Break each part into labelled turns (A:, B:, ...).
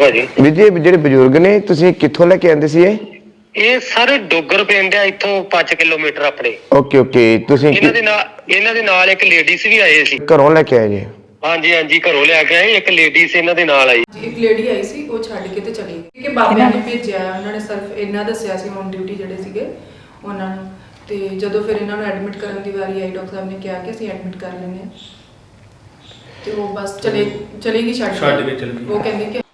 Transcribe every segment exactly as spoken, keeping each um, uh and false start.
A: ਭਾਜੀ।
B: ਵੀਰ ਜੀ ਜਿਹੜੇ ਬਜ਼ੁਰਗ ਨੇ ਤੁਸੀਂ ਕਿੱਥੋਂ ਲੈ ਕੇ ਆਂਦੇ ਸੀ ਇਹ?
A: ਇਹ ਸਾਰੇ ਡੋਗਰ ਪਿੰਡ ਆ ਇੱਥੋਂ ਪੰਜ ਕਿਲੋਮੀਟਰ ਆਪਣੇ।
B: Okay okay. ਤੁਸੀਂ
A: ਇਹਨਾਂ ਦੇ ਨਾਲ ਇਹਨਾਂ ਦੇ ਨਾਲ ਇੱਕ ਲੇਡੀਜ਼ ਵੀ ਆਏ ਸੀ।
B: ਘਰੋਂ ਲੈ ਕੇ ਆਏ ਜੀ?
A: ਹਾਂਜੀ ਹਾਂਜੀ, ਘਰੋਂ ਲਿਆ ਕੇ ਆਏ। ਇੱਕ ਲੇਡੀਜ਼ ਇਹਨਾਂ ਦੇ ਨਾਲ ਆਈ।
C: ਇੱਕ ਲੇਡੀ ਆਈ ਸੀ, ਉਹ ਛੱਡ ਕੇ ਤੇ ਚਲੀ ਗਈ ਕਿ ਬਾਬਿਆਂ ਨੇ ਭੇਜਿਆ। ਉਹਨਾਂ ਨੇ ਸਿਰਫ ਇੰਨਾ ਦੱਸਿਆ ਸੀ ਔਨ ਡਿਊਟੀ ਜਿਹੜੇ ਸੀਗੇ ਉਹਨਾਂ ਨੂੰ। ਤੇ ਜਦੋਂ ਫਿਰ ਇਹਨਾਂ ਨੂੰ ਐਡਮਿਟ ਕਰਨ ਦੀ ਵਾਰੀ ਆਈ, ਡਾਕਟਰ ਸਾਹਿਬ ਨੇ ਕਿਹਾ ਕਿ ਅਸੀਂ ਐਡਮਿਟ ਕਰ ਲੈਂਦੇ ਹਾਂ, ਤੇ ਉਹ ਬਸ ਚਲੇ ਚਲੇਗੀ ਛੱਡ
D: ਛੱਡ ਕੇ ਚਲੀ ਗਈ।
C: ਉਹ ਕਹਿੰਦੇ ਕਿ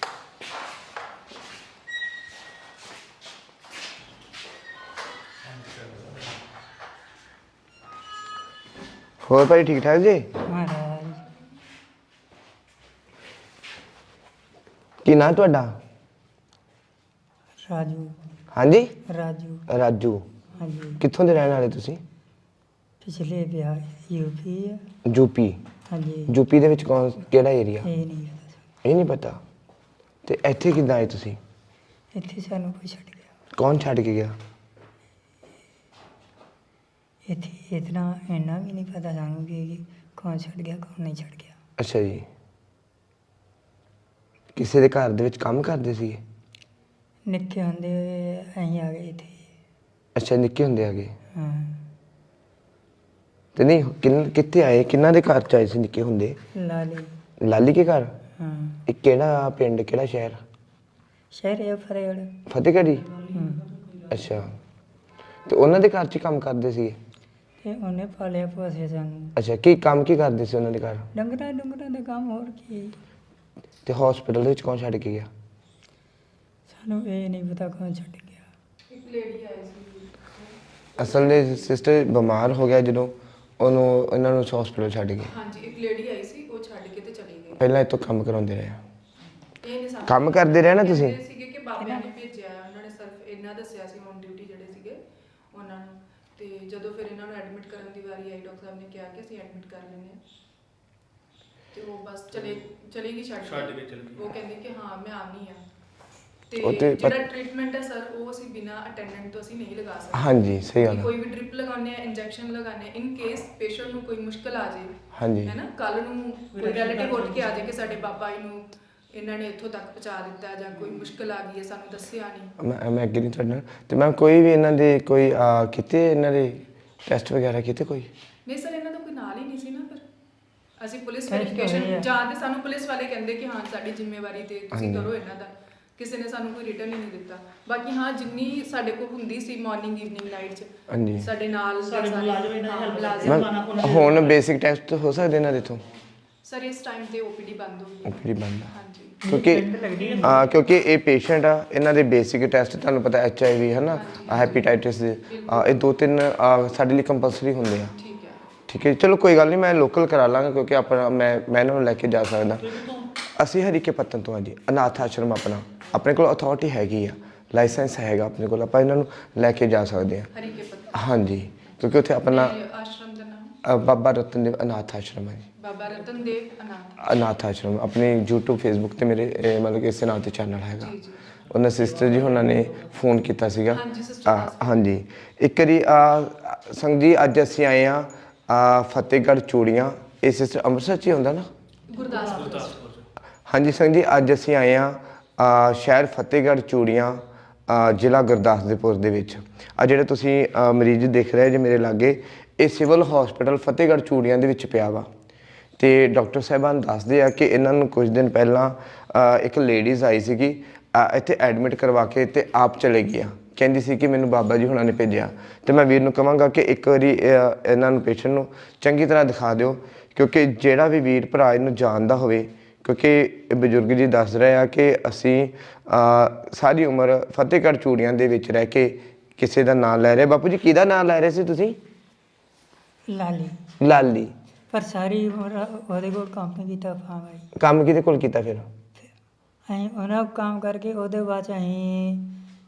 B: ਹੋਰ ਭਾਈ ਠੀਕ ਠਾਕ ਜੀ?
E: ਮਹਾਰਾਜ
B: ਕੀ ਨਾਂ ਤੁਹਾਡਾ?
E: ਰਾਜੂ
B: ਹਾਂਜੀ
E: ਰਾਜੂ
B: ਰਾਜੂ।
E: ਹਾਂਜੀ
B: ਕਿੱਥੋਂ ਦੇ ਰਹਿਣ ਵਾਲੇ ਤੁਸੀਂ?
E: ਪਿਛਲੇ ਵਿਆਹ ਯੂਪੀ ਆ।
B: ਯੂਪੀ?
E: ਹਾਂਜੀ
B: ਯੂਪੀ ਦੇ ਵਿੱਚ ਕੌਣ ਕਿਹੜਾ ਏਰੀਆ?
E: ਇਹ ਨਹੀਂ ਪਤਾ।
B: ਇਹ ਨਹੀਂ ਪਤਾ। ਤੇ ਇੱਥੇ ਕਿੱਦਾਂ ਆਏ ਤੁਸੀਂ?
E: ਇੱਥੇ ਸਾਨੂੰ ਕੋਈ ਛੱਡ ਗਿਆ।
B: ਕੌਣ ਛੱਡ ਕੇ ਗਿਆ?
E: ਇੱਥੇ ਇਤਨਾ ਇੰਨਾ ਵੀ ਨਹੀਂ ਪਤਾ ਸਾਨੂੰ ਕਿ ਕੌਣ ਛੱਡ ਗਿਆ ਕੌਣ ਨਹੀਂ ਛੱਡ ਗਿਆ।
B: ਅੱਛਾ ਜੀ। ਕਿਸੇ ਦੇ ਘਰ ਦੇ ਵਿੱਚ ਕੰਮ ਕਰਦੇ ਸੀਗੇ?
E: ਨਿੱਕੇ ਹੁੰਦੇ ਹੋਏ ਅਸੀਂ ਆ ਗਏ ਇੱਥੇ।
B: ਅੱਛਾ, ਨਿੱਕੇ ਹੁੰਦੇ ਆ ਗਏ।
E: ਹਾਂ
B: ਤੇ ਨਹੀਂ ਕਿੰਨ ਕਿੱਥੇ ਆਏ? ਕਿੰਨਾਂ ਦੇ ਘਰ ਚ ਆਏ ਸੀ ਨਿੱਕੇ ਹੁੰਦੇ?
E: ਲਾਲੀ।
B: ਲਾਲੀ ਕੇ ਘਰ?
E: ਹਾਂ
B: ਇਹ ਕਿਹੜਾ ਪਿੰਡ, ਕਿਹੜਾ ਸ਼ਹਿਰ?
E: ਸ਼ਹਿਰ ਇਹ ਫਰੇੜ।
B: ਫਤਿਹਗੜ੍ਹ?
E: ਹੂੰ
B: ਅੱਛਾ। ਤੇ ਉਹਨਾਂ ਦੇ ਘਰ ਚ ਹੀ ਕੰਮ ਕਰਦੇ ਸੀਗੇ?
E: ਤੇ ਉਹਨੇ ਪਾਲਿਆ ਪੋਸਿਆ ਸਾਨੂੰ।
B: ਅੱਛਾ, ਕੀ ਕੰਮ ਕੀ ਕਰਦੇ ਸੀ ਉਹਨਾਂ ਦੇ ਘਰ?
E: ਡੰਗਰਾਂ ਡੰਗਰਾਂ ਦਾ ਕੰਮ, ਹੋਰ ਕੀ।
B: ਤੇ ਹਸਪੀਟਲ ਦੇ ਵਿੱਚ ਕੌਣ ਛੱਡ ਕੇ ਗਿਆ?
E: ਸਾਨੂੰ ਇਹ ਨਹੀਂ ਪਤਾ ਕੌਣ ਛੱਡ ਗਿਆ।
C: ਇੱਕ ਲੇਡੀ ਆਈ ਸੀ।
B: ਅਸਲ ਦੇ ਸਿਸਟਰ ਬਿਮਾਰ ਹੋ ਗਿਆ ਜਦੋਂ ਉਹਨੂੰ ਇਹਨਾਂ ਨੂੰ ਹਸਪੀਟਲ ਛੱਡ ਗਏ।
C: ਹਾਂਜੀ, ਇੱਕ ਲੇਡੀ ਆਈ ਸੀ, ਉਹ ਛੱਡ ਕੇ ਤੇ ਚਲੀ ਗਈ।
B: ਪਹਿਲਾਂ ਇੱਥੋਂ ਕੰਮ ਕਰਾਉਂਦੇ ਰਹੇ?
C: ਇਹ ਨਹੀਂ ਸਾਨੂੰ
B: ਕੰਮ ਕਰਦੇ ਰਹੇ ਨਾ ਤੁਸੀਂ?
C: ਕਹਿੰਦੇ ਸੀਗੇ ਕਿ ਬਾਬਿਆਂ ਨੇ ਭੇਜਿਆ। ਉਹਨਾਂ ਨੇ ਸਿਰਫ ਇੰਨਾ ਦੱਸਿਆ ਸੀ ਔਨ ਡਿਊਟੀ ਜਿਹੜੇ ਸੀਗੇ ਉਹਨਾਂ ਨੂੰ। ਤੇ ਜਦੋਂ ਫਿਰ ਇਹਨਾਂ ਨੂੰ ਐਡਮਿਟ ਕਰਨ ਦੀ ਵਾਰੀ ਆਈ, ਡਾਕਟਰ ਸਾਹਿਬ ਨੇ ਕਿਹਾ ਕਿ ਅਸੀਂ ਐਡਮਿਟ ਕਰ ਲੈਂਦੇ ਹਾਂ, ਤੇ ਉਹ ਬਸ ਚਲੇ ਚਲੇਗੀ ਛੱਡ
D: ਛੱਡ ਕੇ ਚਲੀ ਗਈ।
C: ਉਹ ਕਹਿੰਦੇ ਕਿ ਹਾਂ ਮੈਂ ਆਨੀ ਆ।
B: ਉਹ
C: ਤੇ
B: ਤੇ ਪਰ-
C: ਜਿਹੜਾ ਟ੍ਰੀਟਮੈਂਟ ਹੈ ਸਰ, ਉਹ ਅਸੀਂ ਬਿਨਾ ਅਟੈਂਡੈਂਟ ਤੋਂ ਅਸੀਂ ਨਹੀਂ ਲਗਾ ਸਕਦੇ।
B: ਹਾਂਜੀ, ਸਹੀ ਗੱਲ
C: ਕਿ
B: ਹੈ।
C: ਕੋਈ ਵੀ ਡ੍ਰਿਪ ਲਗਾਉਂਦੇ ਆ, ਇੰਜੈਕਸ਼ਨ ਲਗਾਉਂਦੇ ਆ, ਇਨ ਕੇਸ ਪੇਸ਼ੈਂਟ ਨੂੰ ਕੋਈ ਮੁਸ਼ਕਲ ਆ ਜਾਏ,
B: ਹਾਂਜੀ
C: ਹੈ ਨਾ, ਕੱਲ ਨੂੰ ਕੋਈ ਰਿਲੇਟਿਵ ਉੱਠ ਕੇ ਆ ਜਾਏ ਕਿ ਸਾਡੇ ਬਾਬਾ ਜੀ ਨੂੰ ਇਹਨਾਂ ਨੇ ਇੱਥੋਂ ਤੱਕ ਪਹੁੰਚਾ ਦਿੱਤਾ ਜਾਂ ਕੋਈ ਮੁਸ਼ਕਲ ਆ ਗਈ ਹੈ, ਸਾਨੂੰ ਦੱਸਿਆ ਨਹੀਂ।
B: ਮੈਂ ਮੈਂ ਐਗਰੀ ਤੁਹਾਡੇ ਨਾਲ। ਤੇ ਮੈਂ ਕੋਈ ਵੀ ਇਹਨਾਂ ਦੇ ਕੋਈ ਆ, ਕੀਤੇ ਇਹਨਾਂ ਦੇ ਟੈਸਟ ਵਗੈਰਾ ਕੀਤੇ ਕੋਈ?
C: ਨਹੀਂ ਸਰ, ਇਹਨਾਂ ਦਾ ਕੋਈ ਨਾਲ ਹੀ ਨਹੀਂ ਸੀ ਨਾ। ਪਰ ਅਸੀਂ ਪੁਲਿਸ
E: Test ਹੋਏ
C: ਵੈਰੀਫਿਕੇਸ਼ਨ
E: ਆ।
C: ਜਾਂ ਤੇ ਸਾਨੂੰ ਪੁਲਿਸ ਵਾਲੇ ਕਹਿੰਦੇ ਕਿ ਹਾਂ ਸਾਡੀ ਜ਼ਿੰਮੇਵਾਰੀ ਤੇ ਤੁਸੀਂ
B: ਹਾਂਜੀ।
C: ਕਰੋ ਇਹਨਾਂ ਦਾ। ਕਿਸੇ ਨੇ ਸਾਨੂੰ ਕੋਈ ਰਿਟਰਨ ਹੀ ਨਹੀਂ ਦਿੱਤਾ। ਬਾਕੀ ਹਾਂ, ਜਿੰਨੀ ਸਾਡੇ ਕੋਲ ਹੁੰਦੀ ਸੀ ਮਾਰਨਿੰਗ ਈਵਨਿੰਗ ਨਾਈਟ 'ਚ
B: ਹਾਂਜੀ।
C: ਸਾਡੇ ਨਾਲ
F: ਸਾਡੇ ਮੁਲਾਜ਼ਮ ਇਹਨਾਂ ਦੀ help
C: ਮੁਲਾਜ਼ਮ
B: ਮੈਂ
F: ਪਾਣਾ ਪੁਣਾ
B: ਹੁਣ ਬੇਸਿਕ ਟੈਸਟ ਹੋ ਸਕਦੇ ਇਹਨਾਂ ਦੇ ਤੋਂ?
C: ਸਰ ਇਸ ਟਾਈਮ ਤੇ ਓਪੀਡੀ ਬੰਦ ਹੋ ਗਈ।
B: ਓਪੀਡੀ ਬੰਦ ਆ।
C: ਹਾਂਜੀ
B: ਕਿਉਂਕਿ ਆ ਕਿਉਂਕਿ ਇਹ ਪੇਸ਼ੈਂਟ ਆ, ਇਹਨਾਂ ਦੇ ਬੇਸਿਕ ਟੈਸਟ ਤੁਹਾਨੂੰ ਪਤਾ ਐਚ ਆਈ ਵੀ ਹੈ ਨਾ, ਹੈਪੇਟਾਈਟਿਸ ਦੇ, ਆ, ਇਹ ਦੋ ਤਿੰਨ ਆ, ਸਾਡੇ ਲਈ ਕੰਪਲਸਰੀ ਹੁੰਦੇ ਆ।
C: ਠੀਕ ਹੈ।
B: ਠੀਕ ਹੈ, ਚਲੋ ਕੋਈ ਗੱਲ ਨਹੀਂ, ਮੈਂ ਲੋਕਲ ਕਰਾ ਲਾਂਗਾ ਕਿਉਂਕਿ ਆਪਣਾ ਮੈਂ ਮੈਂ ਇਹਨਾਂ ਨੂੰ ਲੈ ਕੇ ਜਾ ਸਕਦਾ। ਅਸੀਂ ਹਰੀਕੇ ਪੱਤਨ ਤੋਂ ਆ ਜੀ, ਅਨਾਥ ਆਸ਼ਰਮ ਆਪਣਾ, ਆਪਣੇ ਕੋਲ ਅਥਾਰਟੀ ਹੈਗੀ ਆ, ਲਾਇਸੈਂਸ ਹੈਗਾ ਆਪਣੇ ਕੋਲ, ਆਪਾਂ ਇਹਨਾਂ ਨੂੰ ਲੈ ਕੇ ਜਾ ਸਕਦੇ ਹਾਂ।
C: ਹਰੀਕੇ ਪੱਤਨ?
B: ਹਾਂਜੀ, ਕਿਉਂਕਿ ਉੱਥੇ ਆਪਣਾ
C: ਤੇ ਆਸ਼ਰਮ ਦਾ ਨਾਮ
B: ਅ, ਬਾਬਾ ਰਤਨ ਦੇਵ ਅਨਾਥ ਆਸ਼ਰਮ ਹੈ ਜੀ।
C: ਬਾਬਾ ਰਤਨ ਦੇਵ ਅਨਾਥ।
B: ਅਨਾਥ ਆਸ਼ਰਮ ਆਪਣੇ YouTube Facebook ਤੇ ਮੇਰੇ ਇਹ ਮਤਲਬ ਕਿ ਇਸੇ ਨਾਂ ਤੇ ਚੈਨਲ ਹੈਗਾ।
C: ਜੀ ਜੀ।
B: ਉਹਨਾਂ ਸਿਸਟਰ ਜੀ ਉਹਨਾਂ ਨੇ ਫੋਨ ਕੀਤਾ ਸੀਗਾ।
C: ਹਾਂਜੀ, sister
B: ਆ, ਹਾਂਜੀ ਇੱਕ ਵਾਰੀ ਆ ਸੰਗ ਜੀ ਅੱਜ ਅਸੀਂ ਆਏ ਆ ਆ ਫਤਿਹਗੜ੍ਹ ਚੂੜੀਆਂ। ਇਹ ਸਿਸਟਰ ਅੰਮ੍ਰਿਤਸਰ 'ਚ ਹੀ ਹੁੰਦਾ ਨਾ?
C: ਗੁਰਦਾਸਪੁਰ।
B: ਹਾਂਜੀ ਸੰਗ ਜੀ, ਅੱਜ ਅਸੀਂ ਆਏ ਆ ਆ ਸ਼ਹਿਰ ਫਤਿਹਗੜ੍ਹ ਚੂੜੀਆਂ, ਆ, ਜ਼ਿਲ੍ਹਾ ਗੁਰਦਾਸਪੁਰ ਦੇ ਵਿੱਚ। ਆ ਜਿਹੜੇ ਤੁਸੀਂ ਆ, ਮਰੀਜ਼ ਦੇਖ ਰਹੇ ਜੇ ਮੇਰੇ ਲਾਗੇ, ਇਹ ਸਿਵਲ ਹਸਪੀਟਲ ਫਤਿਹਗੜ੍ਹ ਚੂੜੀਆਂ ਦੇ ਵਿੱਚ ਪਿਆ ਵਾ। ਤੇ ਡਾਕਟਰ ਸਾਹਿਬਾਨ ਦੱਸਦੇ ਆ ਕਿ ਇਹਨਾਂ ਨੂੰ ਕੁਝ ਦਿਨ ਪਹਿਲਾਂ ਆ, ਇੱਕ ਲੇਡੀਜ਼ ਆਈ ਸੀਗੀ, ਆ, ਇੱਥੇ ਐਡਮਿਟ ਕਰਵਾ ਕੇ ਤੇ ਆਪ ਚਲੇ ਗਈਆਂ। ਕਹਿੰਦੀ ਸੀ ਕਿ ਮੈਨੂੰ ਬਾਬਾ ਜੀ ਹੁਣਾਂ ਨੇ ਭੇਜਿਆ। ਤੇ ਮੈਂ ਵੀਰ ਨੂੰ ਕਹਾਂਗਾ ਕਿ ਇੱਕ ਵਾਰੀ ਇਹ- ਇਹਨਾਂ ਨੂੰ ਪੇਸ਼ੈਂਟ ਨੂੰ ਚੰਗੀ ਤਰ੍ਹਾਂ ਦਿਖਾ ਦਿਓ, ਕਿਉਂਕਿ ਜਿਹੜਾ ਵੀ ਵੀਰ ਭਰਾ ਇਹਨੂੰ ਜਾਣਦਾ ਹੋਵੇ, ਕਿਉਂਕਿ ਇਹ ਬਜ਼ੁਰਗ ਜੀ ਦੱਸ ਰਹੇ ਆ ਕਿ ਅਸੀਂ ਸਾਰੀ ਉਮਰ ਫਤਿਹਗੜ੍ਹ ਚੂੜੀਆਂ ਦੇ ਵਿੱਚ ਰਹਿ ਕੇ ਕਿਸੇ ਦਾ ਨਾਮ ਲੈ ਰਹੇ। ਬਾਪੂ ਜੀ ਕਿਹਦਾ ਨਾਮ ਲੈ ਰਹੇ ਸੀ ਤੁਸੀਂ?
E: ਲਾਲੀ।
B: ਲਾਲੀ।
E: ਪਰ ਸਾਰੀ ਉਮਰ ਉਹਦੇ ਕੋਲ ਕੰਮ ਨਹੀਂ ਕੀਤਾ ਪਾਵਾਂਗੇ।
B: ਕੰਮ ਕਿਹਦੇ ਕੋਲ ਕੀਤਾ ਫਿਰ?
E: ਅਸੀਂ ਉਹਨਾਂ ਕੋਲ ਕੰਮ ਕਰਕੇ ਉਹਦੇ ਬਾਅਦ 'ਚ ਅਸੀਂ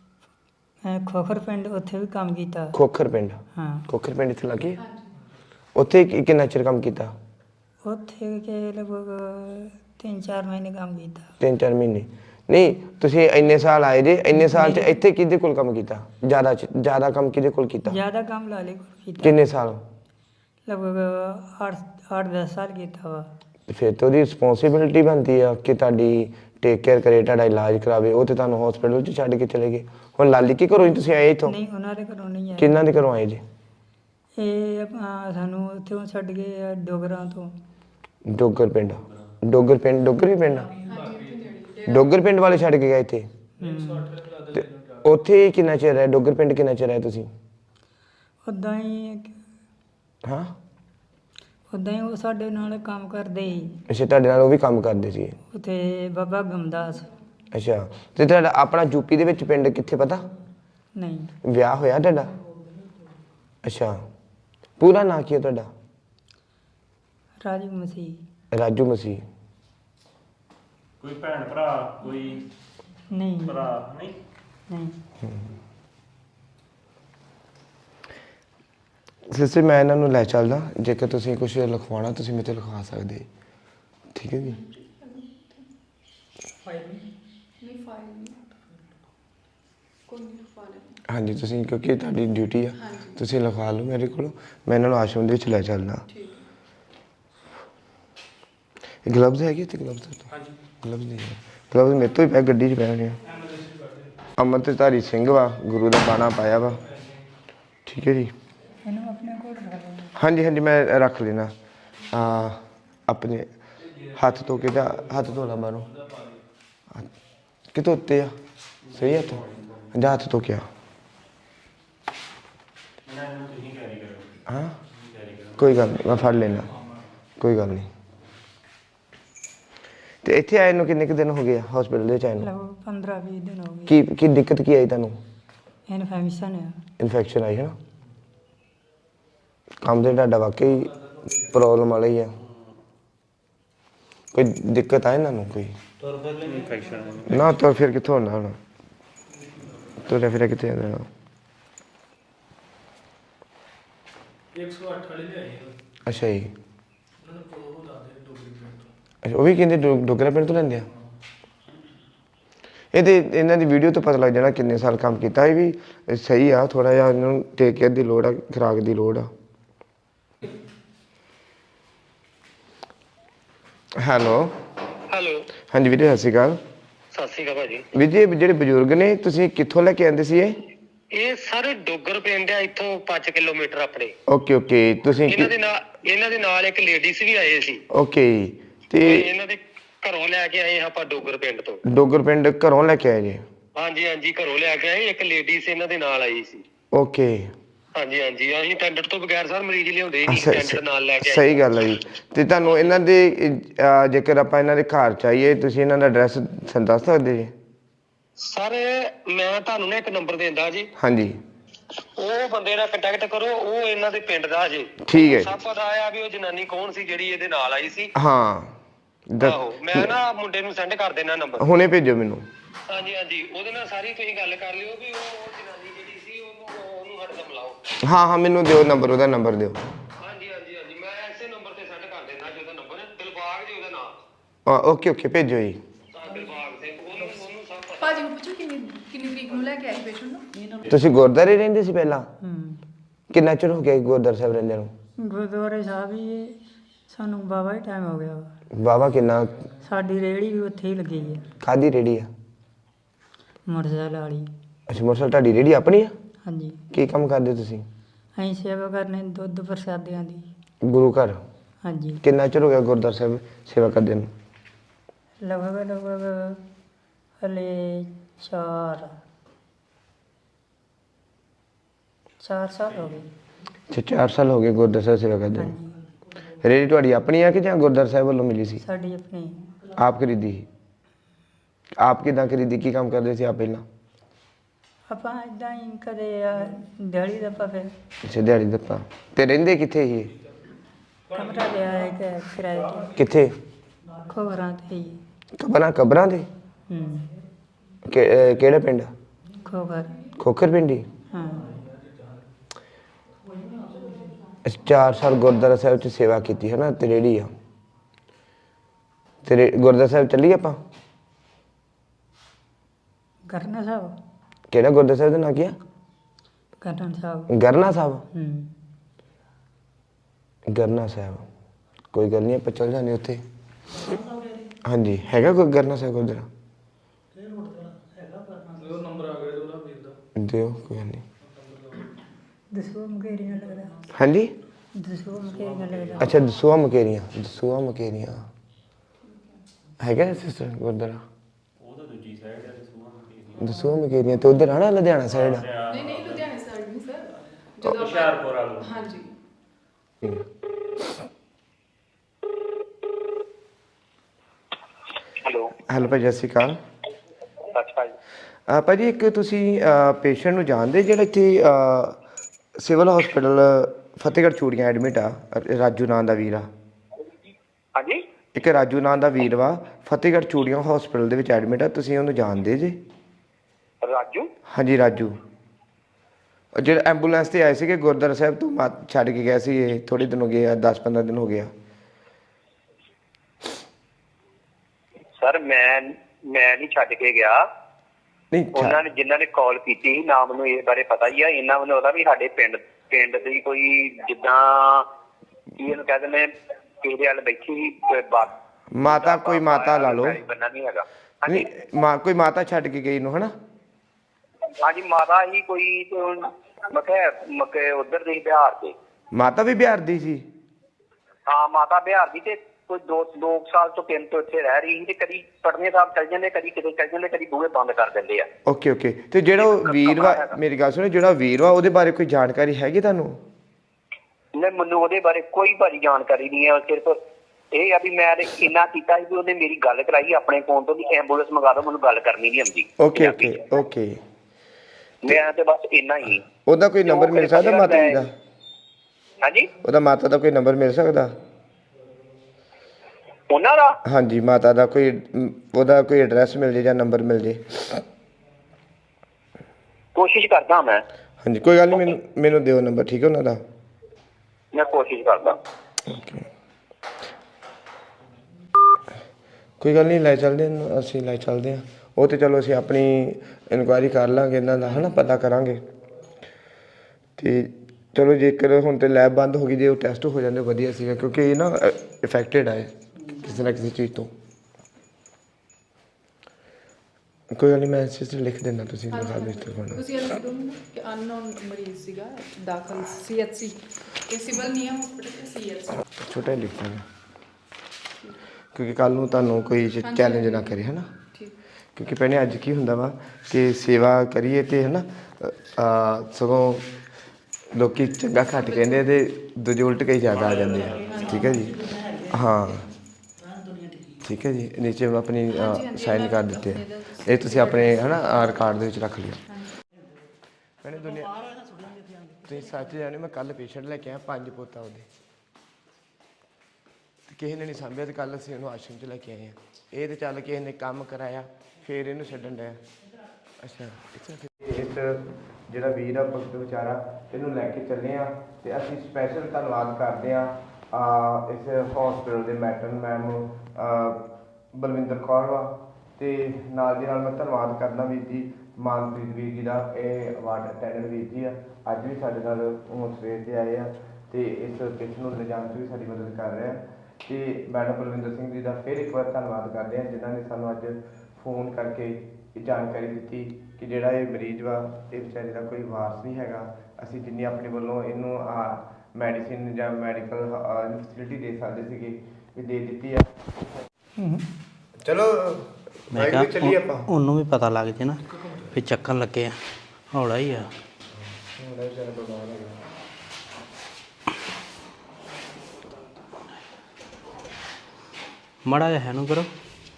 E: ਅਹ ਖੋਖਰ ਪਿੰਡ ਉੱਥੇ ਵੀ ਕੰਮ ਕੀਤਾ।
B: ਖੋਖਰ ਪਿੰਡ?
E: ਹਾਂ
B: ਖੋਖਰ ਪਿੰਡ ਇੱਥੇ ਲੱਗੇ? ਉੱਥੇ ਕਿ- ਕਿੰਨਾ ਚਿਰ ਕੰਮ ਕੀਤਾ?
E: ਉੱਥੇ ਕੇ ਲਗਭਗ ਤਿੰਨ ਚਾਰ ਮਹੀਨੇ ਕੰਮ ਕੀਤਾ।
B: ਤਿੰਨ ਚਾਰ ਮਹੀਨੇ? ਨਹੀਂ ਤੁਸੀਂ ਇੰਨੇ ਸਾਲ ਆਏ ਜੇ, ਇੰਨੇ ਸਾਲ 'ਚ ਇੱਥੇ ਕਿਹਦੇ ਕੋਲ ਕੰਮ ਕੀਤਾ ਜ਼ਿਆਦਾ? ਜ਼ਿਆਦਾ ਕੰਮ ਕਿਹਦੇ ਕੋਲ ਕੀਤਾ?
E: ਜ਼ਿਆਦਾ ਕੰਮ ਲਾਲੀ ਕੋਲ ਕੀਤਾ।
B: ਕਿੰਨੇ ਸਾਲ?
E: ਲਗਭਗ ਅੱਠ ਅੱਠ ਦਸ ਸਾਲ ਕੀਤਾ ਵਾ।
B: ਤੇ ਫਿਰ ਤਾਂ ਉਹਦੀ ਰਿਸਪੌਂਸਿਬਿਲਟੀ ਬਣਦੀ ਆ ਕਿ ਤੁਹਾਡੀ ਟੇਕ ਕੇਅਰ ਕਰੇ, ਤੁਹਾਡਾ ਇਲਾਜ ਕਰਾਵੇ, ਉਹ ਤੇ ਤੁਹਾਨੂੰ ਹਸਪੀਟਲ 'ਚ ਛੱਡ ਕੇ ਚਲੇ ਗਏ। ਹੁਣ ਲਾਲੀ ਕੀ ਘਰੋਂ ਹੀ ਤੁਸੀਂ ਆਏ ਇੱਥੋਂ?
E: ਨਹੀਂ ਉਹਨਾਂ ਦੇ ਘਰੋਂ ਨਹੀਂ ਆਏ।
B: ਕਿੰਨਾਂ ਦੇ ਘਰੋਂ ਆਏ ਜੀ?
E: ਇਹ ਆਪਣਾ ਸਾਨੂੰ ਉੱਥੋਂ ਛੱਡ ਗਏ ਆ ਡੋਗਰਾਂ ਤੋਂ।
B: ਡੋਗਰ ਪਿੰਡ? ਡੋਗਰ ਪਿੰਡ ਡੋਗਰ ਵੀ ਪਿੰਡ ਆ? ਡੋਗਰ ਪਿੰਡ ਵਾਲੇ ਛੱਡ ਕੇ ਗਏ ਇੱਥੇ? ਤੇ ਉੱਥੇ ਕਿੰਨਾ ਚਿਰ ਰਹੇ? ਡੋਗਰ ਪਿੰਡ ਕਿੰਨਾ ਚਿਰ ਰਹੇ ਤੁਸੀਂ?
E: ਉੱਦਾਂ ਹੀ
B: ਹਾਂ
E: ਉੱਦਾਂ ਹੀ ਉਹ ਸਾਡੇ ਨਾਲ ਕੰਮ ਕਰਦੇ ਸੀ
B: ਅੱਛਾ, ਤੁਹਾਡੇ ਨਾਲ ਉਹ ਵੀ ਕੰਮ ਕਰਦੇ ਸੀ?
E: ਉੱਥੇ ਬਾਬਾ ਗਮਦਾਸ।
B: ਅੱਛਾ, ਤੇ ਤੁਹਾਡਾ ਆਪਣਾ ਯੂਪੀ ਦੇ ਵਿੱਚ ਪਿੰਡ ਕਿੱਥੇ ਪਤਾ?
E: ਨਹੀਂ।
B: ਵਿਆਹ ਹੋਇਆ ਤੁਹਾਡਾ? ਅੱਛਾ, ਪੂਰਾ ਨਾਂ ਕੀ ਹੈ ਤੁਹਾਡਾ?
E: ਰਾਜੂ ਮਸੀਹ।
B: ਰਾਜੂ ਮਸੀਹ।
D: ਕੋਈ ਭੈਣ ਭਰਾ ਕੋਈ
E: ਨਹੀਂ
D: ਭਰਾ ਨਹੀਂ?
E: ਨਹੀਂ।
B: ਸਿਸਟਰ ਮੈਂ ਇਹਨਾਂ ਨੂੰ ਲੈ ਚੱਲਦਾ, ਜੇਕਰ ਤੁਸੀਂ ਕੁਝ ਲਿਖਵਾਉਣਾ ਤੁਸੀਂ ਮੇਰੇ ਤੋਂ ਲਿਖਵਾ ਸਕਦੇ, ਠੀਕ ਹੈ ਜੀ? ਹਾਂਜੀ ਤੁਸੀਂ, ਕਿਉਂਕਿ ਤੁਹਾਡੀ ਡਿਊਟੀ ਆ, ਤੁਸੀਂ ਲਿਖਵਾ ਲਓ ਮੇਰੇ ਕੋਲੋਂ, ਮੈਂ ਇਹਨਾਂ ਨੂੰ ਆਸ਼ਰਮ ਦੇ ਵਿੱਚ ਲੈ ਚੱਲਦਾ। ਇਹ ਗਲਵਜ਼ ਹੈਗੇ ਤੇ ਗਲਵਜ਼? ਹਾਂਜੀ ਗਲਵਜ਼ ਨਹੀਂ ਹੈ, ਗਲਵਜ਼ ਮੇਰੇ ਤੋਂ ਹੀ ਪੈ ਗੱਡੀ 'ਚ ਪੈ ਹੋਣੇ ਆ। ਅੰਮ੍ਰਿਤਧਾਰੀ ਸਿੰਘ ਵਾ, ਗੁਰੂ ਦਾ ਬਾਣਾ ਪਾਇਆ ਵਾ, ਠੀਕ ਹੈ ਜੀ?
E: ਇਹਨੂੰ ਆਪਣੇ ਕੋਲ ਰੱਖ ਲਓ।
B: ਹਾਂਜੀ ਹਾਂਜੀ ਮੈਂ ਰੱਖ ਲੈਣਾ। ਆਪਣੇ ਹੱਥ ਧੋ ਕੇ ਤਾਂ ਹੱਥ ਧੋਣਾ ਬਾਹਰੋਂ ਕਿਤੋਂ ਉੱਤੇ ਆ, ਸਹੀ ਹੱਥ ਜਾਂ ਹੱਥ ਧੋ ਕੇ ਆ? ਹਾਂ ਕੋਈ ਗੱਲ ਨਹੀਂ, ਮੈਂ ਫੜ ਲੈਣਾ, ਕੋਈ ਗੱਲ ਨਹੀਂ। ਤੇ ਇੱਥੇ ਆਏ ਨੂੰ ਕਿੰਨੇ ਕੁ ਦਿਨ ਹੋ ਗਏ ਹਸਪੀਟਲ ਦੇ ਵਿੱਚ ਆਏ ਨੂੰ?
E: ਲਗਭਗ ਪੰਦਰਾਂ ਵੀਹ ਦਿਨ ਹੋ ਗਏ।
B: ਕੀ ਕੀ ਦਿੱਕਤ ਕੀ ਆਈ ਤੁਹਾਨੂੰ?
E: ਇਨਫੈਕਸ਼ਨ ਆ।
B: ਇਨਫੈਕਸ਼ਨ ਆਈ ਹੈ ਨਾ? ਕੰਮ ਤੇ ਤੁਹਾਡਾ ਵਾਕਈ ਪ੍ਰੋਬਲਮ ਵਾਲਾ ਹੀ ਆ। ਕੋਈ ਦਿੱਕਤ ਆਏ ਇਹਨਾਂ ਨੂੰ ਕੋਈ?
D: ਇਨਫੈਕਸ਼ਨ
B: ਨਾ ਤਾਂ ਫਿਰ ਕਿੱਥੋਂ ਹੋਣਾ ਹੁਣ? ਤੁਰਿਆ ਫਿਰਿਆ ਕਿੱਥੇ ਜਾਣਾ?
D: ਇੱਕ ਸੌ ਅੱਠ ਵਾਲੇ ਲਿਆਏ
B: ਅੱਛਾ ਜੀ, ਅੱਛਾ ਉਹ ਵੀ ਕਹਿੰਦੇ ਡੋ ਡੋਗਰਾ ਪਿੰਡ ਤੋਂ ਲੈਂਦੇ ਆ? ਇਹ ਤੇ ਇਹਨਾਂ ਦੀ ਵੀਡੀਓ ਤੋਂ ਪਤਾ ਲੱਗ ਜਾਣਾ ਕਿੰਨੇ ਸਾਲ ਕੰਮ ਕੀਤਾ। ਇਹ ਵੀ ਸਹੀ ਆ, ਥੋੜਾ ਜਿਹਾ ਇਹਨਾਂ ਨੂੰ ਟੇਕ ਕੇਅਰ ਦੀ ਲੋੜ ਆ, ਖੁਰਾਕ ਦੀ ਲੋੜ ਆ। ਹੈਲੋ
A: ਹੈਲੋ,
B: ਹਾਂਜੀ ਵੀਰੇ, ਸਤਿ ਸ਼੍ਰੀ ਅਕਾਲ।
A: ਸਤਿ ਸ਼੍ਰੀ ਅਕਾਲ ਭਾਜੀ।
B: ਵੀਰ ਜੀ, ਇਹ ਜਿਹੜੇ ਬਜ਼ੁਰਗ ਨੇ ਤੁਸੀਂ ਕਿੱਥੋਂ ਲੈ ਕੇ ਆਂਦੇ ਸੀ ਇਹ?
A: ਇਹ ਸਾਰੇ ਡੋਗਰ ਪਿੰਡ ਆ ਇੱਥੋਂ ਪੰਜ ਕਿਲੋਮੀਟਰ ਆਪਣੇ।
B: ਓਕੇ ਓਕੇ, ਤੁਸੀਂ
A: ਇਹਨਾਂ ਦੇ ਨਾਲ ਇਹਨਾਂ ਦੇ ਨਾਲ ਇੱਕ ਲੇਡੀਜ਼ ਵੀ ਆਏ ਸੀ।
B: ਓਕੇ,
A: ਤੇ
B: ਤੇ
A: ਇਹਨਾਂ ਦੇ ਘਰੋਂ ਲੈ ਕੇ ਆਏ ਆਪਾਂ ਡੋਗਰ ਪਿੰਡ ਤੋਂ।
B: ਡੋਗਰ ਪਿੰਡ ਘਰੋਂ ਲੈ ਕੇ ਆਏ ਜੀ?
A: ਹਾਂਜੀ ਹਾਂਜੀ, ਘਰੋਂ ਲੈ ਕੇ ਆਏ। ਇੱਕ ਲੇਡੀਜ਼ ਇਹਨਾਂ ਦੇ ਨਾਲ ਆਈ ਸੀ।
B: ਓਕੇ,
A: ਹਾਂਜੀ ਹਾਂਜੀ, ਅਸੀਂ ਟੈਂਡਰ ਤੋਂ ਬਗੈਰ ਸਰ ਮਰੀਜ਼ ਲਿਆਉਂਦੇ ਹੀ ਨਹੀਂ,
B: ਅੱਛਾ,
A: ਟੈਂਡਰ ਨਾਲ ਲੈ ਕੇ ਆਏ।
B: ਸਹੀ ਗੱਲ ਹੈ ਜੀ। ਤੇ ਤੁਹਾਨੂੰ ਇਹਨਾਂ ਦੇ ਅਹ, ਜੇਕਰ ਆਪਾਂ ਇਹਨਾਂ ਦੇ ਘਰ ਚਾਹੀਏ, ਤੁਸੀਂ ਇਹਨਾਂ ਦਾ ਐਡਰੈਸ ਦੱਸ ਸਕਦੇ ਜੀ?
A: ਸਰ ਮੈਂ ਤੁਹਾਨੂੰ ਨਾ ਇੱਕ ਨੰਬਰ ਦਿੰਦਾ ਜੀ,
B: ਹਾਂਜੀ,
A: ਉਹ ਬੰਦੇ ਨਾਲ ਕੰਟੈਕਟ ਕਰੋ, ਉਹ ਇਹਨਾਂ ਦੇ ਪਿੰਡ ਦਾ ਜੀ।
B: ਠੀਕ ਹੈ।
A: ਸਭ ਪਤਾ ਆ ਵੀ ਉਹ ਜਨਾਨੀ ਕੌਣ ਸੀ ਜਿਹੜੀ ਇਹਦੇ ਨਾਲ ਆਈ ਸੀ।
B: ਹਾਂ ਦੱਸ-
A: ਆਹੋ, ਮੈਂ ਨਾ ਮੁੰਡੇ ਨੂੰ ਸੈਂਡ ਕਰ ਦੇਣਾ ਨੰਬਰ।
B: ਹੁਣੇ ਭੇਜੋ ਮੈਨੂੰ।
A: ਹਾਂਜੀ ਹਾਂਜੀ, ਉਹਦੇ ਨਾਲ ਸਾਰੀ ਤੁਸੀਂ ਗੱਲ ਕਰ ਲਿਓ ਵੀ ਉਹ ਉਹ ਜਨਾਨੀ ਜਿਹੜੀ ਸੀ ਉਹਨੂੰ ਉਹਨੂੰ ਸਾਡੇ ਨਾਲ ਮਿਲਾਓ।
B: ਹਾਂ ਹਾਂ ਮੈਨੂੰ ਦਿਓ ਨੰਬਰ, ਉਹਦਾ ਨੰਬਰ ਦਿਓ।
A: ਹਾਂਜੀ ਹਾਂਜੀ ਹਾਂਜੀ, ਮੈਂ ਇਸੇ ਨੰਬਰ ਤੇ ਸੈਂਡ ਕਰ ਦੇਣਾ ਜੀ ਉਹਦਾ ਨੰਬਰ। ਦਿਲਬਾਗ ਜੀ ਉਹਦਾ ਨਾਮ।
B: ਹਾਂ ਓਕੇ ਓਕੇ, ਭੇਜੋ ਜੀ।
A: ਤਾਂ ਦਿਲਬਾਗ ਸਿੰਘ, ਉਹਨੂੰ ਉਹਨੂੰ ਸਭ ਪਤਾ।
C: ਭਾਜੀ ਨੂੰ ਪੁੱਛੋ ਕਿੰਨੀ ਕਿੰਨੀ ਤਰੀਕ ਨੂੰ ਲੈ ਕੇ ਆਏ ਪੇਸ਼ੈਂਟ ਨੂੰ?
B: ਤੁਸੀਂ ਗੁਰਦੁਆਰੇ ਰਹਿੰਦੇ ਸੀ ਪਹਿਲਾਂ?
E: ਹੂੰ।
B: ਕਿੰਨਾ ਚਿਰ ਹੋ ਗਿਆ ਜੀ ਗੁਰਦੁਆਰਾ ਸਾਹਿਬ ਰਹਿੰਦੇ ਨੂੰ?
E: ਗੁਰਦੁਆਰੇ ਸਾਹਿਬ ਹੀ ਸਾਨੂੰ ਬਾਬਾ ਹੀ ਟਾਈਮ ਹੋ ਗਿਆ ਵਾ।
B: ਬਾਬਾ ਕਿੰਨਾ?
E: ਸਾਡੀ ਰੇਹੜੀ ਵੀ ਉੱਥੇ ਹੀ ਲੱਗੀ ਹੈ,
B: ਕਾਹਦੀ ਰੇਹੜੀ ਆ?
E: ਮੋਟਰਸਾਈਕਲ ਵਾਲੀ।
B: ਅੱਛਾ ਮੋਟਰਸਾਈਕਲ ਤੁਹਾਡੀ ਰੇਹੜੀ ਆਪਣੀ ਆ?
E: ਹਾਂਜੀ,
B: ਕੀ ਕੰਮ ਕਰਦੇ ਤੁਸੀਂ?
E: ਅਸੀਂ ਸੇਵਾ ਕਰਨੇ ਦੁੱਧ ਪ੍ਰਸ਼ਾਦਿਆਂ ਦੀ।
B: ਗੁਰੂ ਘਰ?
E: ਹਾਂਜੀ,
B: ਕਿੰਨਾ ਚਿਰ ਹੋ ਗਿਆ ਗੁਰਦੁਆਰਾ ਸਾਹਿਬ ਸੇਵਾ ਕਰਦੇ ਨੂੰ?
E: ਲਗਭਗ ਲਗਭਗ ਹਲੇ ਚਾਰ ਚਾਰ ਸਾਲ ਹੋ ਗਏ।
B: ਅੱਛਾ ਚਾਰ ਸਾਲ ਹੋ ਗਏ ਗੁਰਦੁਆਰਾ ਸਾਹਿਬ ਸੇਵਾ ਕਰਦੇ ਨੂੰ।
E: ਹਾਂਜੀ,
B: ਰੇਹੜੀ ਤੁਹਾਡੀ ਆਪਣੀ ਆ ਕਿ ਜਾਂ ਗੁਰਦੁਆਰਾ ਸਾਹਿਬ ਵੱਲੋਂ ਮਿਲੀ ਸੀ?
E: ਸਾਡੀ ਆਪਣੀ।
B: ਆਪ ਖਰੀਦੀ ਸੀ? ਆਪ ਕਿੱਦਾਂ ਖਰੀਦੀ, ਕੀ ਕੰਮ ਕਰਦੇ ਸੀ ਆਪ ਪਹਿਲਾਂ?
E: ਆਪਾਂ ਇਦਾਂ ਹੀ ਕਦੇ ਆ, ਦਿਹਾੜੀ ਦਾ ਫਿਰ
B: ਅੱਛਾ ਦਿਹਾੜੀ ਦੱਪਾ। ਤੇ ਰਹਿੰਦੇ ਕਿੱਥੇ ਸੀ?
E: ਕਮਰਾ ਲਿਆ ਹੈ ਕਿ ਕਿਰਾਏ ਤੇ,
B: ਕਿੱਥੇ?
E: ਖੋਰਾਂ ਤੇ ਹੀ।
B: ਕਬਰਾਂ? ਕਬਰਾਂ ਦੇ?
E: ਹੂੰ,
B: ਕਿ- ਅਹ ਕਿਹੜੇ ਪਿੰਡ?
E: ਖੋਖਰ।
B: ਖੋਖਰ ਪਿੰਡੀ?
E: ਹਾਂ,
B: ਅੱਛਾ ਚਾਰ ਸਾਲ ਗੁਰਦੁਆਰਾ ਸਾਹਿਬ 'ਚ ਸੇਵਾ ਕੀਤੀ ਹੈ ਨਾ, ਤੇ ਰੇਹੜੀ ਆ। ਤੇ ਰੇ- ਗੁਰਦੁਆਰਾ ਸਾਹਿਬ ਚੱਲੀਏ ਆਪਾਂ?
E: ਕਰਨਾ ਸਾਹਿਬ।
B: ਕਿਹੜਾ ਗੁਰਦੁਆਰਾ ਸਾਹਿਬ ਦਾ ਨਾਂ ਕੀ ਆ?
E: ਕਰਨਾ ਸਾਹਿਬ।
B: ਗਰਨਾ ਸਾਹਿਬ?
E: ਹੂੰ,
B: ਗਰਨਾ ਸਾਹਿਬ, ਕੋਈ ਗੱਲ ਨਹੀਂ ਆਪਾਂ ਚੱਲ ਜਾਂਦੇ ਉੱਥੇ। ਹਾਂਜੀ ਹੈਗਾ ਕੋਈ ਗਰਨਾ ਸਾਹਿਬ ਗੁਰਦੁਆਰਾ?
D: ਉਹ ਨੰਬਰ ਆ ਗਿਆ ਉਹਦਾ ਵੀਰ ਦਾ।
B: ਦਿਓ ਕੋਈ ਗੱਲ ਨਹੀਂ।
E: ਦਸੂਆ ਮਕੇਰੀਆਂ ਲੱਗਦਾ।
B: ਹਾਂਜੀ
E: ਦਸੂਆ ਮਕੇਰੀਆਂ ਲੱਗਦਾ।
B: ਅੱਛਾ ਦਸੂਆ ਮਕੇਰੀਆਂ, ਦਸੂਆ ਮਕੇਰੀਆਂ ਹੈਗਾ ਸਿਸਟਰ ਗੁਰਦੁਆਰਾ?
D: ਉਹ ਤਾਂ ਦੂਜੀ ਸਾਈਡ ਹੈ ਦਸੂਆ।
B: ਦਸੂਆ ਮਕੇਰੀਆਂ ਤੇ ਉਧਰ ਆ ਨਾ ਲੁਧਿਆਣਾ ਸਾਈਡ।
C: ਨਹੀਂ ਨਹੀਂ ਲੁਧਿਆਣੇ ਸਾਈਡ ਨਹੀਂ ਸਰ, ਜਦੋਂ ਆਪਾਂ-
D: ਹੁਸ਼ਿਆਰਪੁਰ ਵਾਲੂ।
C: ਹਾਂਜੀ
A: ਹੈਲੋ
B: ਹੈਲੋ ਭਾਈ, ਸਤਿ ਸ਼੍ਰੀ ਅਕਾਲ।
A: ਅੱਛਾ ਜੀ।
B: ਅਹ ਭਾਜੀ ਇੱਕ ਤੁਸੀਂ ਪੇਸ਼ੈਂਟ ਨੂੰ ਜਾਣਦੇ ਜਿਹੜਾ ਇੱਥੇ ਸਿਵਲ ਹਸਪੀਟਲ ਫਤਿਹਗੜ੍ਹ ਚੂੜੀਆਂ ਐਡਮਿਟ ਆ, ਰਾਜੂ ਨਾਂ ਦਾ ਵੀਰ ਆ।
A: ਹਾਂਜੀ
B: ਇੱਕ ਰਾਜੂ ਨਾਂ ਦਾ ਵੀਰ ਵਾ, ਫਤਿਹਗੜ੍ਹ ਚੂੜੀਆਂ ਹਸਪੀਟਲ ਦੇ ਵਿੱਚ ਐਡਮਿਟ ਆ, ਤੁਸੀਂ ਉਹਨੂੰ ਜਾਣਦੇ ਜੀ?
A: ਰਾਜੂ?
B: ਹਾਂਜੀ ਰਾਜੂ, ਉਹ ਜਿਹੜੇ ਐਂਬੂਲੈਂਸ ਤੇ ਆਏ ਸੀਗੇ ਗੁਰਦੁਆਰਾ ਸਾਹਿਬ ਤੋਂ ਮਾ ਛੱਡ ਕੇ ਗਿਆ ਸੀ, ਇਹ ਥੋੜ੍ਹੇ ਦਿਨ ਹੋ ਗਏ ਆ, ਦਸ ਪੰਦਰਾਂ ਦਿਨ ਹੋ ਗਏ ਆ।
A: ਸਰ ਮੈਂ ਮੈਂ ਨਹੀਂ ਛੱਡ ਕੇ ਗਿਆ।
B: ਨਹੀਂ
A: ਉਹਨਾਂ ਨੇ ਜਿਨ੍ਹਾਂ ਨੇ ਕਾਲ ਕੀਤੀ ਸੀ ਨਾ, ਮੈਨੂੰ ਇਸ ਬਾਰੇ ਪਤਾ ਹੀ ਆ। ਇਹਨਾਂ ਮੈਨੂੰ ਉਹਦਾ ਵੀ ਸਾਡੇ ਪਿੰਡ ਪਿੰਡ ਦੀ ਕੋਈ ਜਿੱਦਾਂ ਕੀ ਇਹਨੂੰ ਕਹਿ ਦਿੰਦੇ ਕਿਹਦੇ ਵੱਲ ਬੈਠੀ ਸੀ ਕੋਈ ਬਾ-
B: ਮਾਤਾ, ਕੋਈ ਮਾਤਾ ਲਾ ਲਓ।
A: ਬੰਨਾ ਨਹੀਂ ਹੈਗਾ।
B: ਨਹੀਂ ਮਾਂ ਕੋਈ ਮਾਤਾ ਛੱਡ ਕੇ ਗਈ ਨੂੰ ਹਨਾ?
A: ਹਾਂਜੀ ਮਾਤਾ ਹੀ ਕੋਈ ਤੇ ਹੁਣ ਮੈਂ ਕਿਹਾ ਮਕੇ ਉਧਰ ਦੇ ਬਿਹਾਰ ਦੇ।
B: ਮਾਤਾ ਵੀ ਬਿਹਾਰ ਦੀ ਸੀ?
A: ਹਾਂ ਮਾਤਾ ਬਿਹਾਰ ਦੀ, ਤੇ ਕੋਈ ਦੋ ਦੋ ਸਾਲ ਤੋਂ ਤਿੰਨ ਤੋਂ ਇੱਥੇ ਰਹਿ ਰਹੀ ਸੀ, ਤੇ ਕਦੀ ਪਟਨੇ ਸਾਹਿਬ ਚੱਲ ਜਾਂਦੇ, ਕਦੀ ਕਿਤੇ ਚੱਲ ਜਾਂਦੇ, ਕਦੀ ਬੂਹੇ ਬੰਦ ਕਰ ਦਿੰਦੇ ਆ।
B: Okay okay. ਤੇ ਜਿਹੜਾ ਉਹ ਵੀਰ ਵਾ, ਮੇਰੀ ਗੱਲ ਸੁਣੋ, ਜਿਹੜਾ ਵੀਰ ਵਾ ਉਹਦੇ ਬਾਰੇ ਕੋਈ ਜਾਣਕਾਰੀ ਹੈਗੀ ਤੁਹਾਨੂੰ?
A: ਨਹੀਂ ਮੈਨੂੰ ਉਹਦੇ ਬਾਰੇ ਕੋਈ ਭਾਰੀ ਜਾਣਕਾਰੀ ਨਹੀਂ ਹੈ। ਸਿਰਫ ਇਹ ਆ ਵੀ ਮੈਂ ਇੰਨਾ ਕੀਤਾ ਸੀ ਵੀ ਉਹਨੇ ਮੇਰੀ ਗੱਲ ਕਰਾਈ ਆਪਣੇ ਫੋਨ ਤੋਂ ਵੀ ਐਂਬੂਲੈਂਸ ਮੰਗਾ ਦਿਓ, ਮੈਨੂੰ ਗੱਲ ਕਰਨੀ ਨਹੀਂ ਆਉਂਦੀ।
B: Okay okay okay.
A: ਮੈਂ ਤੇ ਬਸ ਇੰਨਾ ਹੀ।
B: ਉਹਦਾ ਕੋਈ ਨੰਬਰ ਮਿਲ ਸਕਦਾ ਮਾਤਾ ਜੀ ਦਾ?
A: ਹਾਂਜੀ
B: ਉਹਦਾ ਮਾਤਾ ਦਾ ਕੋਈ ਨੰਬਰ ਮਿਲ ਸਕਦਾ?
A: ਉਹਨਾਂ ਦਾ?
B: ਹਾਂਜੀ ਮਾਤਾ ਦਾ ਕੋਈ ਅਮ, ਉਹਦਾ ਕੋਈ ਐਡਰੈਸ ਮਿਲ ਜੇ ਜਾਂ ਨੰਬਰ ਮਿਲ ਜੇ?
A: ਕੋਸ਼ਿਸ਼ ਕਰਦਾ ਮੈਂ।
B: ਹਾਂਜੀ ਕੋਈ ਗੱਲ ਨਹੀਂ, ਮੈਨੂੰ ਮੈਨੂੰ ਦਿਓ ਨੰਬਰ, ਠੀਕ ਹੈ ਉਹਨਾਂ ਦਾ?
A: ਮੈਂ ਕੋਸ਼ਿਸ਼ ਕਰਦਾ।
B: ਓਕੇ ਕੋਈ ਗੱਲ ਨਹੀਂ, ਲੈ ਚੱਲਦੇ ਹਾਂ ਅਸੀਂ, ਲੈ ਚੱਲਦੇ ਹਾਂ। ਉਹ ਤਾਂ ਚਲੋ ਅਸੀਂ ਆਪਣੀ ਇਨਕੁਆਇਰੀ ਕਰ ਲਾਂਗੇ ਇਹਨਾਂ ਦਾ, ਹੈ ਨਾ, ਪਤਾ ਕਰਾਂਗੇ। ਅਤੇ ਚਲੋ ਜੇਕਰ ਹੁਣ ਤਾਂ ਲੈਬ ਬੰਦ ਹੋ ਗਈ, ਜੇ ਉਹ ਟੈਸਟ ਹੋ ਜਾਂਦੇ ਵਧੀਆ ਸੀਗਾ, ਕਿਉਂਕਿ ਇਹ ਨਾ ਇਫੈਕਟਡ ਹੈ ਕਿਸੇ ਨਾ ਕਿਸੇ ਚੀਜ਼ ਤੋਂ। ਕੋਈ ਗੱਲ ਨਹੀਂ, ਮੈਂ ਸਿਸਟਰ ਲਿਖ ਦਿੰਦਾ, ਤੁਸੀਂ ਲਿਖਾ ਦਿਓ।
C: ਤੁਸੀਂ ਇਹ ਲਿਖ ਦਿਓ ਨਾ ਕਿ ਅਨਨੋਨ ਮਰੀਜ਼ ਸੀਗਾ ਦਾਖਲ ਸੀ ਐਚ ਸੀ, ਇਹ ਸਿਵਲ ਨਹੀਂ ਹੈ ਹਸਪੀਟਲ, ਸੀ ਐਚ ਸੀ।
B: ਛੋਟਾ ਹੀ ਲਿਖ ਦਾਂਗੇ ਕਿਉਂਕਿ ਕੱਲ੍ਹ ਨੂੰ ਤੁਹਾਨੂੰ ਕੋਈ ਚੈਲੰਜ ਨਾ ਕਰੇ, ਹੈ ਨਾ।
C: ਠੀਕ।
B: ਕਿਉਂਕਿ ਭੈਣੇ ਅੱਜ ਕੀ ਹੁੰਦਾ ਵਾ ਕਿ ਸੇਵਾ ਕਰੀਏ ਅਤੇ ਹੈ ਨਾ, ਸਗੋਂ ਲੋਕੀ ਚੰਗਾ ਘੱਟ ਕਹਿੰਦੇ ਆ ਅਤੇ ਦੂਜੇ ਉਲਟ ਕਈ ਜ਼ਿਆਦਾ ਆ ਜਾਂਦੇ ਆ। ਠੀਕ ਹੈ ਜੀ, ਹਾਂ ਠੀਕ ਹੈ ਜੀ। ਨੀਚੇ ਆਪਣੀ ਸਾਈਨ ਕਰ ਦਿੱਤੇ ਆ, ਇਹ ਤੁਸੀਂ ਆਪਣੇ ਹੈ ਨਾ ਰਿਕਾਰਡ ਦੇ ਵਿੱਚ ਰੱਖ ਲਿਓ। ਭੈਣੇ ਦੁਨੀਆ ਤੁਸੀਂ ਸੱਚ ਜਾਣੋ, ਮੈਂ ਕੱਲ੍ਹ ਪੇਸ਼ੈਂਟ ਲੈ ਕੇ ਆਇਆ, ਪੰਜ ਪੋਤਾ ਉਹਦੇ, ਕਿਸੇ ਨੇ ਨਹੀਂ ਸਾਂਭਿਆ, ਤੇ ਕੱਲ੍ਹ ਅਸੀਂ ਉਹਨੂੰ ਆਸ਼ਰਮ 'ਚ ਲੈ ਕੇ ਆਏ ਹਾਂ। ਇਹ ਤਾਂ ਚੱਲ ਕਿਸੇ ਨੇ ਕੰਮ ਕਰਾਇਆ ਫਿਰ ਇਹਨੂੰ ਛੱਡਣ ਡਿਆ। ਅੱਛਾ ਇਸ ਜਿਹੜਾ ਵੀਰ ਆ ਭਗਤ ਵਿਚਾਰਾ, ਇਹਨੂੰ ਲੈ ਕੇ ਚੱਲੇ ਹਾਂ, ਅਤੇ ਅਸੀਂ ਸਪੈਸ਼ਲ ਧੰਨਵਾਦ ਕਰਦੇ ਹਾਂ ਇਸ ਹਸਪੀਟਲ ਦੇ ਮੈਟਰਨ ਮੈਮ ਬਲਵਿੰਦਰ ਕੌਰ ਵਾ, ਅਤੇ ਨਾਲ ਦੀ ਨਾਲ ਮੈਂ ਧੰਨਵਾਦ ਕਰਦਾ ਵੀਰ ਜੀ ਮਾਨਪ੍ਰੀਤ ਵੀਰ ਜੀ ਦਾ, ਇਹ ਅਵਾਰਡ ਅਟੈਂਡੈਂਟ ਵੀਰ ਜੀ ਆ, ਅੱਜ ਵੀ ਸਾਡੇ ਨਾਲ ਹੁਣ ਸਵੇਰ 'ਤੇ ਆਏ ਆ, ਅਤੇ ਇਸ ਪੇਸ਼ੈਂਟ ਨੂੰ ਲਿਜਾਣ 'ਚ ਵੀ ਸਾਡੀ ਮਦਦ ਕਰ ਰਹੇ ਆ। ਅਤੇ ਮੈਡਮ ਬਲਵਿੰਦਰ ਸਿੰਘ ਜੀ ਦਾ ਫਿਰ ਇੱਕ ਵਾਰ ਧੰਨਵਾਦ ਕਰਦੇ ਹਾਂ, ਜਿਨ੍ਹਾਂ ਨੇ ਸਾਨੂੰ ਅੱਜ ਫੋਨ ਕਰਕੇ ਇਹ ਜਾਣਕਾਰੀ ਦਿੱਤੀ ਕਿ ਜਿਹੜਾ ਇਹ ਮਰੀਜ਼ ਵਾ, ਇਹ ਵਿਚਾਰੇ ਦਾ ਕੋਈ ਵਾਰਸ ਨਹੀਂ ਹੈਗਾ। ਅਸੀਂ ਜਿੰਨੀ ਆਪਣੇ ਵੱਲੋਂ ਇਹਨੂੰ ਮੈਡੀਸਿਨ ਜਾਂ ਮੈਡੀਕਲ ਫੈਸਿਲਿਟੀ ਦੇ ਸਕਦੇ ਸੀਗੇ, ਇਹ ਦੇ ਦਿੱਤੀ ਆ। ਚਲੋ
F: ਮੈਂ ਕਿਹਾ
B: ਚੱਲੀਏ ਆਪਾਂ।
F: ਉਹਨੂੰ ਵੀ ਪਤਾ ਲੱਗ ਜੇ ਨਾ ਫਿਰ ਚੱਕਣ ਲੱਗੇ ਆ, ਹੌਲਾ ਹੀ ਆ। ਮਾੜਾ ਜਿਹਾ ਹੈ ਨੂੰ ਕਰੋ,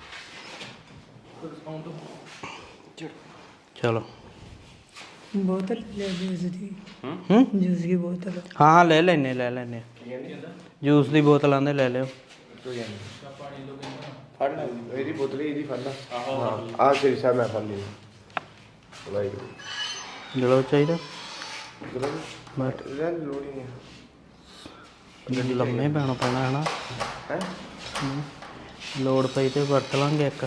F: ਚਲੋ
E: बोतल ले जूस दी,
F: ਹੂੰ
E: जूस की बोतल।
F: ਹਾਂ ਹਾਂ ਲੈ ਲੈਨੇ ਲੈ ਲੈਨੇ ਜੂਸ ਦੀ ਬੋਤਲ ਆਂਦੇ ਲੈ ਲਿਓ।
B: ਫੜ ਲੈ ਇਹਦੀ ਬੋਤਲ ਇਹਦੀ ਫੜ ਲਾ। ਹਾਂ ਆਹ ਸ੍ਰੀ ਸਾਹਿਬ ਮੈਂ ਫੜ ਲਈ। ਵਾਹਿਗੁਰੂ
F: ਜਲੋ ਚਾਹੀਦਾ
B: ਬਟ ਲੋੜ ਹੀ ਨਹੀਂ।
F: ਲੰਮੇ ਪੈਣਾ ਪੈਣਾ ਹੈ ਨਾ,
B: ਹੈ
F: ਲੋੜ ਪਈ ਤੇ ਵਰਤ ਲਾਂਗੇ ਇੱਕ।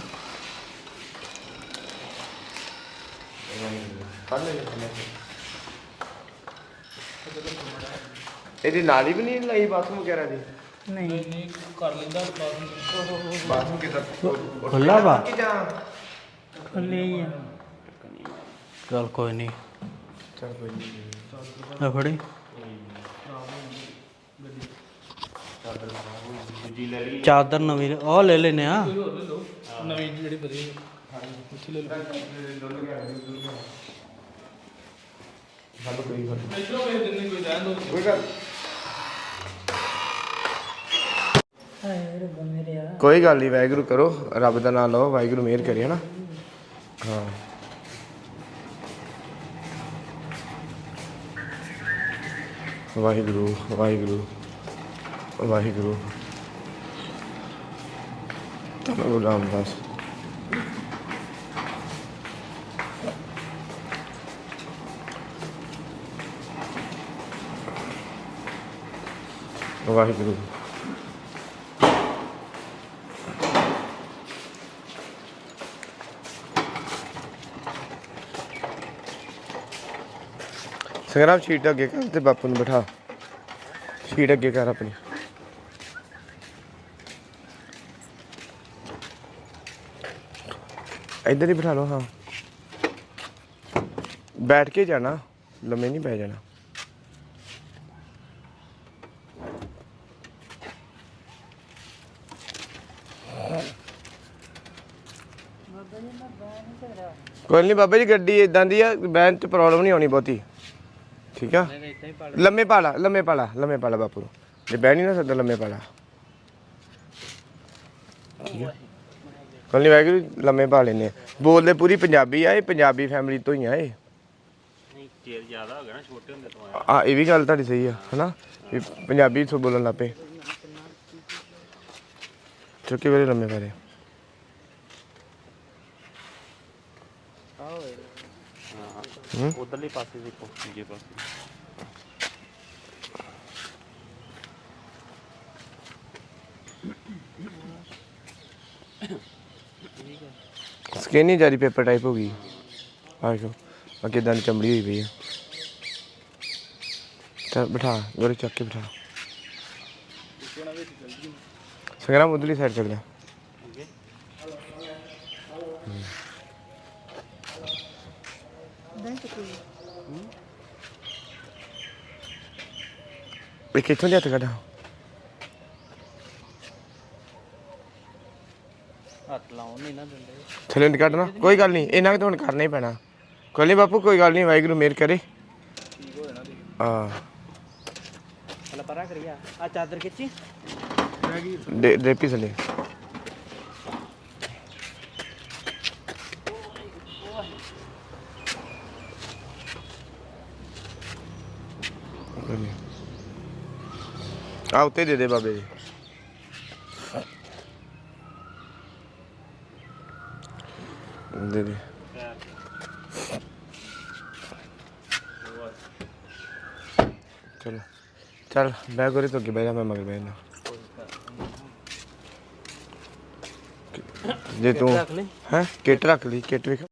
B: ਫੜ ਲੈ ਇਹਦੀ ਨਾਲੀ ਵੀ ਨਹੀਂ ਲਾਈ ਬਾਥਰੂਮ ਵਗੈਰਾ ਦੀ?
E: ਨਹੀਂ
D: ਨਹੀਂ ਕਰ ਲੈਂਦਾ ਬਾਥਰੂਮ
B: ਬਾਥਰੂਮ ਕਿਦਾਂ
F: ਖੁੱਲਾ ਵਾ
B: ਕਿ ਜਾਂ
E: ਖੁੱਲੇ ਹੀ ਆ।
F: ਚੱਲ ਕੋਈ ਨਹੀਂ
B: ਚਲ ਕੋਈ ਨਹੀਂ
F: ਆ ਫੜੀ ਚਾਦਰ ਨਵੀਂ ਉਹ ਲੈ ਲੈਨੇ ਆ
D: ਕੋਈ ਹੋਰ ਲੈ ਲਓ ਨਵੀਂ ਜਿਹੜੀ ਵਧੀਆ ਉੱਥੇ ਲੈ ਲਓ
B: ਹੱਲ ਕੋਈ ਗੱਲ
D: ਇਧਰੋਂ ਵੇਖ ਦਿੰਦੇ ਕੋਈ ਰਹਿਣ ਦੋ
B: ਕੋਈ ਗੱਲ
E: ਹਾਏ ਰੱਬਾ ਮੇਰੇ ਆ।
B: ਕੋਈ ਗੱਲ ਨਹੀਂ ਵਾਹਿਗੁਰੂ ਕਰੋ ਰੱਬ ਦਾ ਨਾਮ ਲਓ ਵਾਹਿਗੁਰੂ ਮਿਹਰ ਕਰੇ ਹਨਾ ਹਾਂ ਵਾਹਿਗੁਰੂ ਵਾਹਿਗੁਰੂ ਵਾਹਿਗੁਰੂ ਧੰਨ ਗੁਰੂ ਰਾਮਦਾਸ ਵਾਹਿਗੁਰੂ ਸੰਗਰਾਮ ਸ਼ੀਟ ਅੱਗੇ ਕਰ ਤੇ ਬਾਪੂ ਨੂੰ ਬਿਠਾ ਸ਼ੀਟ ਅੱਗੇ ਕਰ ਆਪਣੀ ਇੱਧਰ ਹੀ ਬਿਠਾ ਲਓ ਹਾਂ ਬੈਠ ਕੇ ਜਾਣਾ ਲੰਮੇ ਨਹੀਂ ਪੈ ਜਾਣਾ ਕੋਈ ਨਹੀਂ ਬਾਬਾ ਜੀ ਗੱਡੀ ਇਦਾਂ ਦੀ ਆ ਬੈਨ ਚ ਪ੍ਰੋਬਲਮ ਨਹੀਂ ਆਉਣੀ ਬਹੁਤੀ ਠੀਕ ਆ ਲੰਮੇ ਪਾਲਾ ਲੰਮੇ ਪਾਲਾ ਲੰਮੇ ਪਾਲਾ ਬਾਪੂ ਨੂੰ ਜੇ ਬਹਿ ਨਹੀਂ ਨਾ ਸਕਦਾ ਲੰਮੇ ਪਾਲਾ ਠੀਕ ਹੈ ਕੋਈ ਨਹੀਂ ਵਾਹਿਗੁਰੂ ਲੰਮੇ ਪਾ ਲੈਨੇ ਬੋਲਦੇ ਪੂਰੀ ਪੰਜਾਬੀ ਆ ਇਹ ਪੰਜਾਬੀ ਫੈਮਿਲੀ ਤੋਂ ਹੀ ਆ ਇਹ
F: ਨਹੀਂ ਚੇਰ ਜ਼ਿਆਦਾ ਹੋ ਗਿਆ ਨਾ ਛੋਟੇ ਹੁੰਦੇ ਤੋਂ
B: ਆ ਇਹ ਵੀ ਗੱਲ ਤੁਹਾਡੀ ਸਹੀ ਆ ਹਨਾ ਵੀ ਪੰਜਾਬੀ ਤੋਂ ਬੋਲਣ ਲੱਗ ਪਏ ਚੁੱਕੇ ਵੇਲੇ ਲੰਮੇ ਪਾ ਰਹੇ
F: ਹਾਂ ਉਧਰਲੇ ਪਾਸੇ ਦੇਖੋ ਦੂਜੇ ਪਾਸੇ
B: ਸਕਿਨ ਹੀ ਜਾਰੀ ਪੇਪਰ ਟਾਈਪ ਹੋ ਗਈ ਆਖੋ ਆ ਕਿਦਾਂ ਦੀ ਚਮੜੀ ਹੋਈ ਪਈ ਆ ਚੱਲ ਬਿਠਾ ਗੋਰੇ ਚੱਕ ਕੇ ਬਿਠਾ ਸੰਗਰਾਮ ਉਧਰਲੀ ਸਾਈਡ ਚੱਲ ਜਾ ਇਹ ਕਿੱਥੋਂ ਲਿਆ ਤਾ ਕੱਢਾ
F: ਹੱਥ ਲਾਉਣ ਨਹੀਂ ਨਾ ਦਿੰਦੇ
B: ਥੱਲੇ ਨਹੀਂ ਕੱਢਣਾ ਕੋਈ ਗੱਲ ਨਹੀਂ ਇਹਨਾਂ ਤੋਂ ਹੁਣ ਕਰਨਾ ਹੀ ਪੈਣਾ ਕੋਈ ਨਹੀਂ ਬਾਪੂ ਕੋਈ ਗੱਲ ਨਹੀਂ ਵਾਹਿਗੁਰੂ ਮਿਹਰ ਕਰੇ ਹਾਂ
F: ਪਹਿਲਾਂ ਪਰਾਂ ਕਰੀਆ ਆ ਚਾਦਰ ਖਿੱਚੀ
B: ਦੇ ਡੇਪੀ ਥੱਲੇ ਆ ਉੱਤੇ ਦੇ ਦੇ ਬਾਬੇ ਜੀ ਦੇ ਦੇ ਚਲੋ ਚੱਲ ਬੈ ਗੋਰੇ ਤੋਂ ਅੱਗੇ ਬਹਿ ਜਾ ਮੈਂ ਮਗਰ ਬਹਿ ਜਾਣਾ ਜੇ ਤੂੰ
F: ਰੱਖ ਲੈ
B: ਹੈ ਕਿੱਟ ਰੱਖ ਲਈ ਕਿੱਟ ਵੇਖ